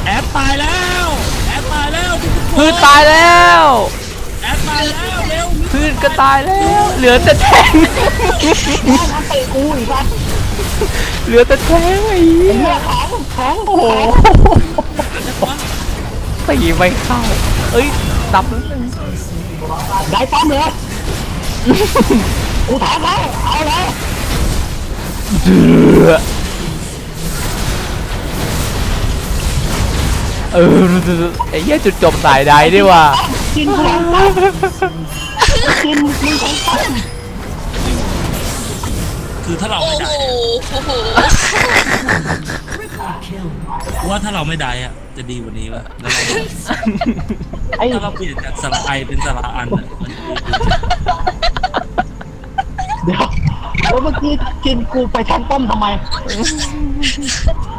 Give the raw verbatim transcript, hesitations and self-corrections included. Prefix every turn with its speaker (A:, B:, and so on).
A: แอดตายแล้วแอดตายแล้ว
B: พืชตายแล้ว
A: แอดตายแล้วเร็ว
B: พืชก็ตายแล้วเหลือแต่แทง
C: น้ำเตะกูอีกแล้ว
B: เหลือแต่แทงไอ้เหี้ย
C: เนี่ยแข็งแข็ง
B: โอ้โหตีไม่เข้าเอ้ยดับแล้วหนึ่ง
C: ได้ป้อมเลยกูถามแล้วเอาเลย
B: เดือดเออไอ้เหี้ยจุดจบสายใดดีว่ะ
C: กินกูหลังป้อมกินมึงแข็งป้อม
A: คือถ้าเรา
D: โอ้
A: ไม่
D: โห
A: ได้
D: โอ้โห
A: ว่าถ้าเราไม่ได้อะจะดีกว่านี้ว่ะแล้วเรา
C: ไอ้
A: ถ้าเราเปลี่ยนจากสระไอเป็นสระอันอะมันจะดีกว่า
C: เดี๋ยวแล้วเมื่อกี้กินกูไปแทงป้อมทำไม